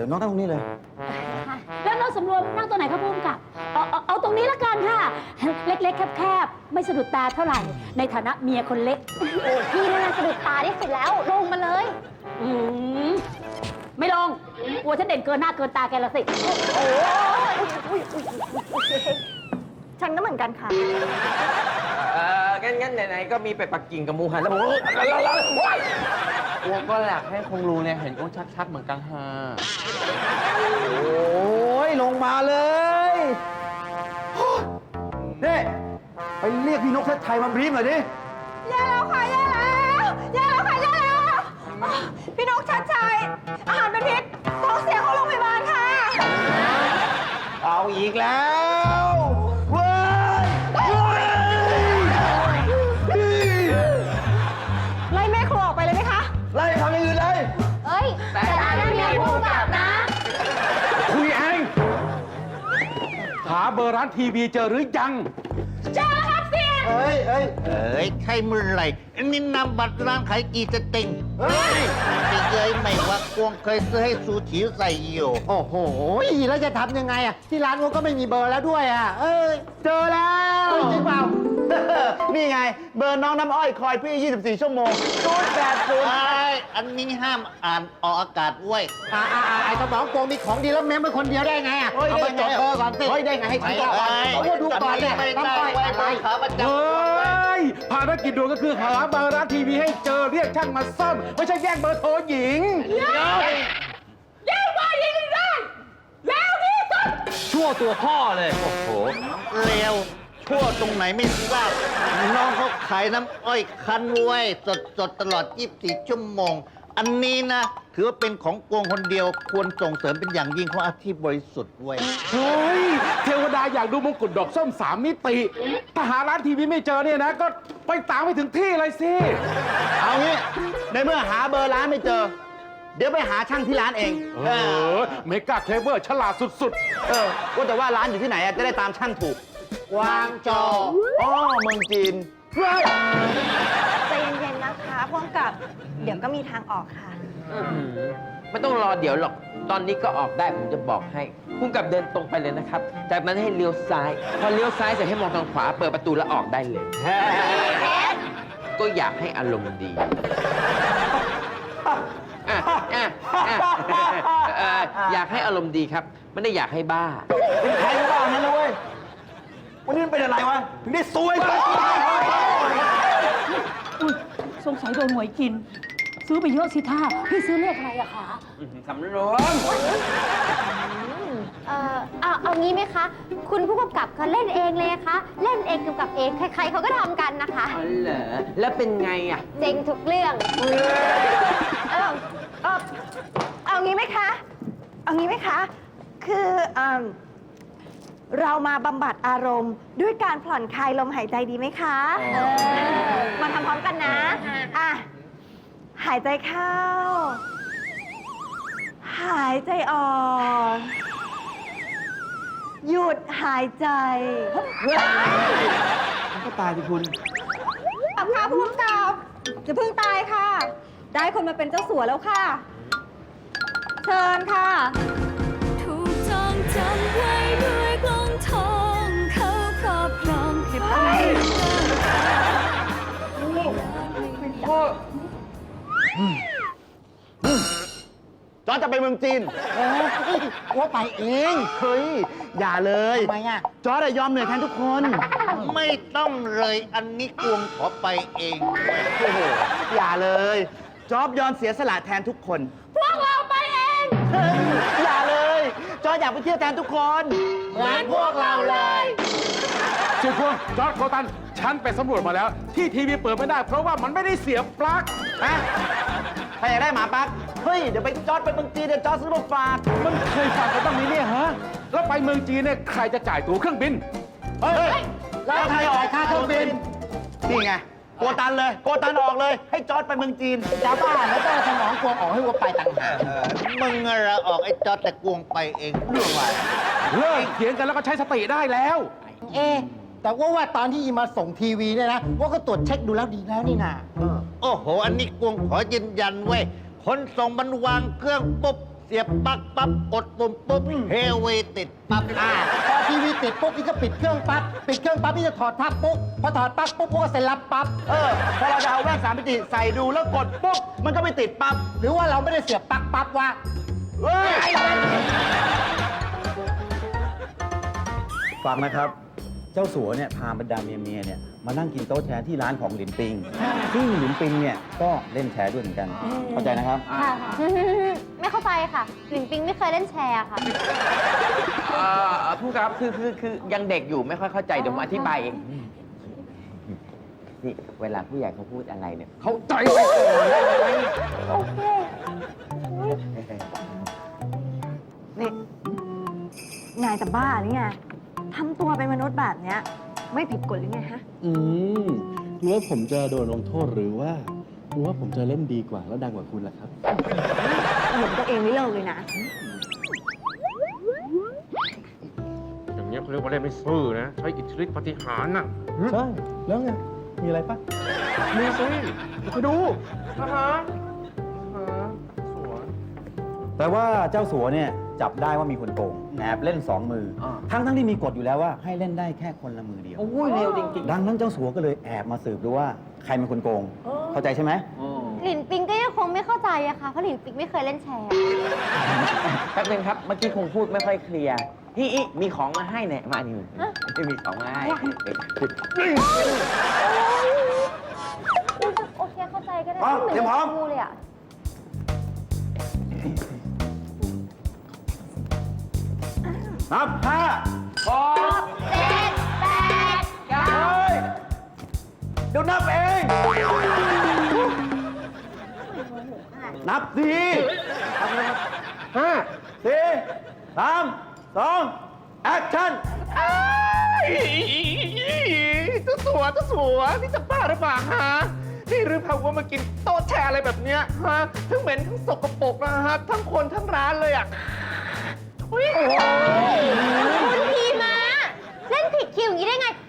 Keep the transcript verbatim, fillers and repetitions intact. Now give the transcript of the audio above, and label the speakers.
Speaker 1: น้องนั่งตรงนี้เลย
Speaker 2: แล้วน้องสำรวมนั่งตัวไหนครับพุ่มกับเอาเอาเอาตรงนี้ละกันค่ะเล็กๆแคบๆไม่สะดุดตาเท่าไหร่ในฐานะเมียคนเล็กโอ้พี่นั่นสะดุดตาที่สุดแล้วลงมาเลยอืมไม่ลงกลัวฉันเด่นเกินหน้าเกินตาแกละสิโอ้ยฉันก็เหมือนกันค่ะ
Speaker 3: เอองั้นงั้นไหนๆก็มีเป็ดปักกิ่งกับหมูหันแล้วผมว้ายอ้วก็อยากให้คงรู้เนี่ยเห็นอ้วชัดๆเหมือนกังฮา
Speaker 1: โอ้ยลงมาเลยนี่ไปเรียกพี่นกเทศไทยมาบรีฟหน่อยดิ
Speaker 4: แย่แล้วค่ะแย่แล้วแย่แล้วค่ะแย่แล้วพี่นกชัดชัยอาหารเป็นพิษท้องเสียเข้าโรงพยาบาลค่ะ
Speaker 1: เอาอีกแล้วเว้ย
Speaker 4: ไล่แม่ครัวออกไปเลยไหมคะ
Speaker 1: ไล่ทำอย่างอื่นเลย
Speaker 2: เอ้ยแต่ร้านนั้นมีผู้กำกับนะ
Speaker 5: คุยเองหาเบอร์ร้านทีวีเจอหรือยัง
Speaker 4: เจอแล้วครับเสีย
Speaker 1: เฮ้ยเฮ้ย
Speaker 6: เอ้ยใช่เมื่อไหร่อันนี้นำบัตรร้านขายกี่สติงเฮ้ยไม่เคยไม่ว่ากวงเคยซื้อให้ซูชิใส่อยู่
Speaker 1: โอ้โหแล้วจะทำยังไงอ่ะที่ร้านก็ไม่มีเบอร์แล้วด้วยอ่ะเอ้ยเจอแล้วจริงเปล่านี่ไงเบอร์น้องน้ำอ้อยคอยพี่ยี่สิบสี่ชั่วโมงศูนย์แปดศูนย์
Speaker 6: ไอ้อันนี้ห้ามอ่านออกอากาศเว้ย
Speaker 1: อ่าอ่าไอ้สมองโกงมีของดีแล้วเมมเป็นคนเดียวได้ไงอ่ะเอาไปจดเบอร์ก่อนสิเฮ้ยได้ไงให้คิดก่อนเอาดูก่อนเนี่ยน้ำอ้อยอะไร
Speaker 6: ขาประจำ
Speaker 5: เฮ้ยภารกิจด่วนก็คือหาเบอร์ร้านทีวีให้เจอเรียกช่างมาซ่อมไม่ใช่แย่งเบอร์โทรหญิง
Speaker 4: แย่งเบอร์หญิงได้แล้วที่สุด
Speaker 5: ชั่วตัวพ่อเลยโอ้โห
Speaker 6: เร็วชั่วตรงไหนไม่ทราบน้องเขาขายน้ำอ้อยคั้นไว้สดสดตลอดยี่สิบสี่ชั่วโมงอันนี้นะถือว่าเป็นของกวงคนเดียวควรส่งเสริมเป็นอย่างยิ่งเพราะอาชีพบริสุทธิ์ไว้
Speaker 5: เฮ้ยเทวดาอยากดูมงกุฎดอกส้มสามมิติถ้าหาร้านทีวีไม่เจอเนี่ยนะก็ไปตามไปถึงที่เลยสิ
Speaker 1: เอางี้ในเมื่อหาเบอร์ร้านไม่เจอเดี๋ยวไปหาช่างที่ร้านเอง
Speaker 5: เออเมกาเคลเวอร์ฉลาดสุด
Speaker 1: ๆเออว่าแต่ว่าร้านอยู่ที่ไหนจะได้ตามช่างถูกกวางโจวอ๋อเมืองจีน
Speaker 4: ใจเย็นๆนะคะพ่วงกับเดี๋ยวก็มีทางออกค่ะ
Speaker 3: ไม่ต้องรอเดี๋ยวหรอกตอนนี้ก็ออกได้ผมจะบอกให้พุ่งกับเดินตรงไปเลยนะครับจากนั้นให้เลี้ยวซ้ายพอเลี้ยวซ้ายเสร็จให้มองทางขวาเปิดประตูแล้วออกได้เลยก็อยากให้อารมณ์ดีอยากให้อารมณ์ดีครับไม่ได้อยากให้บ้า
Speaker 1: เป็นใครบ้างั้นนะเว้ยวันนี้มันเป็นอะไรวะถึงได้ซวยไป
Speaker 2: สงสัยโดนหวยกินซื้อไปเยอะสิท่าพี่ซื้อเลขอะไรอะคะ
Speaker 3: สำรวม
Speaker 2: เออเอาเอางี้ไหมคะคุณผู้กำกับเขาเล่นเองเลยคะเล่นเองกำกับเองใครๆเขาก็ทำกันนะคะ
Speaker 3: อ๋อเหรอแล้วเป็นไงอะ
Speaker 2: เจ๋งทุกเรื่อง
Speaker 4: เออเออเอางี้ไหมคะเอางี้ไหมคะคือเออเรามาบำบัดอารมณ์ด้วยการผ่อนคลายลมหายใจดีไหมคะมาทำพร้อมกันนะอ่ะหายใจเข้าหายใจออกหยุดหายใจ
Speaker 1: มันก็ตายสิคุณ
Speaker 4: กลับค่ะผู้กำกับจะเพิ่งตายค่ะได้คนมาเป็นเจ้าสัวแล้วค่ะเชิญค่ะ
Speaker 7: ถูกจองจำไว้ด้วยกลองทองเขาครอบครองแค่เพียง
Speaker 1: จอร์จจะไปเมืองจีนว่าไปเองเฮ้ยอย่าเลยทำไมอ่ะจอร์จยอมเหนื่อยแทนทุกคน
Speaker 6: ไม่ต้องเลยอันนี้กวงขอไปเอง
Speaker 1: โอ้โหอย่าเลยจอร์จยอมเสียสละแทนทุกคน
Speaker 4: พวกเราไปเอง
Speaker 1: อย่าเลยจอร์จอยากไปเที่ยวแทนทุกคน
Speaker 4: เหมือนพวกเราเลย
Speaker 5: ชื่อพวกจอร์จโคตันฉันไปสำรวจมาแล้วที่ทีวีเปิดไม่ได้เพราะว่ามันไม่ได้เสียบปลั๊ก
Speaker 1: ฮะใครอยากได้หมาปลั๊กเฮ้ยเดี๋ยวไปจอร์จไปเมืองจีนเดี๋ยวจอร์จซื้อมาฝาก
Speaker 5: มันเคยฝากกันบ้างไหมเนี่ยฮะแล้วไปเมืองจีนเนี่ยใครจะจ่ายตั๋วเครื่องบิน
Speaker 1: เฮ้ยแล้วใครออกค่าเครื่องบินนี่ไงโกตันเลยโกตันออกเลยให้จอร์จไปเมืองจีนจ้าบ้าแล้วก็สมองกวงออกให้วัวไปต่างหาก
Speaker 6: มึงอะไรออกไอ้จอร์จแต่กวงไปเองเรื่องอะไร
Speaker 5: เลิกเถียงกันแล้วก็ใช้สติได้แล้ว
Speaker 1: เอแต่ว่าว่าตอนที่อีมาส่งทีวีเนี่ยนะว่าก็ตรวจเช็คดูแล้วดีแล้วนี่นะ
Speaker 6: โอ้โหอันนี้กวงขอยืนยันเว้ยคนส่งมันวางเครื่องปุ๊บเสียบปลั๊กปั๊บกดปุ่มปุ๊บเฮเวติดปั๊บ
Speaker 1: อ่าพอทีวีติดปุ๊บนี่ก็ปิดเครื่องปั๊บ ปิดเครื่องปั๊บนี่จะถอดทับปุ๊บ พอถอดปั๊บปุ๊บก็เซ็นรับปั๊บ
Speaker 6: เออพอเราจะเอาแว่นสามมิติใส่ดูแล้วกดปุ๊บมันก็ไม่ติดปั๊บ
Speaker 1: หรือว่าเราไม่ได้เสียบปลั๊กปั๊บวะ
Speaker 6: เฮ้ย
Speaker 8: ฟังนะครับ เจ้าสัวเนี่ยพาบรรดาเมียเมียๆเนี่ยมานั่งกินโต๊ะแชร์ที่ร้านของหลินปิง ซึ่งหลินปิงเนี่ยก็เล่นแชร์ด้วยเหมือนกัน เข้าใจนะครับ
Speaker 2: ค่ะไม่เข้าใจค่ะหลินปิงไม่เคยเล่นแชร์ค่ะ
Speaker 3: เอ่อผู้ครับคือคือคือยังเด็กอยู่ไม่ค่อยเข้าใจเดี๋ยวผมอธิบายเองนี่เวลาผู้ใหญ่เขาพูดอะไรเนี่ยเขาใจไว้ก่อนได้ไหม
Speaker 2: โอเค
Speaker 4: นี่นายจะบ้าหรือไงทำตัวเป็นมนุษย์แบบเนี้ยไม่ผิดกฎหรือไงฮะ
Speaker 9: อืมคุณว่าผมจะโดนลงโทษหรือว่าคุณว่าผมจะเล่นดีกว่าแล้วดังกว่าคุณล่ะครับ
Speaker 4: หลงตัวเองไม่เลิกเลยนะ
Speaker 5: อย่างเงี้ยเขาเรียกว่าเล่นไม่ซื่อนะ ใช้อิทธิฤทธิปาฏิหาริย์น่ะ
Speaker 9: ใช่ แล้วไง มีอะไรปะ
Speaker 5: มีสิไปดูนะฮะนะฮะสวย
Speaker 8: แต่ว่าเจ้าสัวเนี่ยจับได้ว่ามีคนโกงแอบเล่นสองมืออา ทั้งทั้งที่มีกฎอยู่แล้วว่าให้เล่นได้แค่คนละมือเดียว
Speaker 3: โอ้ยเร็วจริงๆ
Speaker 8: ดังนั้นเจ้าสัวก็เลยแอบมาสืบดูว่าใครเป็นคนโกง เข้าใจใช่ไหม
Speaker 3: อืม
Speaker 2: หลินปิงก็ยังคงไม่เข้าใจอะค่ะ เพราะหลินปิงไม่เคยเล่นแชร์
Speaker 3: แป๊บนึงครับ เมื่อกี้คงพูดไม่ค่อยเคลียร์ฮิอิมีของมาให้เนี่ยมานี่มีของมาให้
Speaker 2: โอเคเข้าใจก็ได้
Speaker 8: พร้อมเตรียมพร้อม
Speaker 2: ดูเลยอะ
Speaker 8: นับห้า
Speaker 3: พอ
Speaker 2: เจ็ดแปดเก้า
Speaker 8: เฮ้ยเดี๋ยวนับเอง นับสี่
Speaker 5: ห้า
Speaker 8: สี่สามสองแอคชั่น
Speaker 5: เจ้าสัวเจ้าสัวนี่จะบ้าหรือเปล่าฮะ นี่หรือเปล่าว่ามากินโต๊ะแชร์อะไรแบบเนี้ยฮะ ทั้งเหม็นทั้งสกปรกนะฮะ ทั้งคนทั้งร้านเลยอ่ะ
Speaker 2: คุณพีมา เล่นผิดคิวอย่างนี้ได้ไง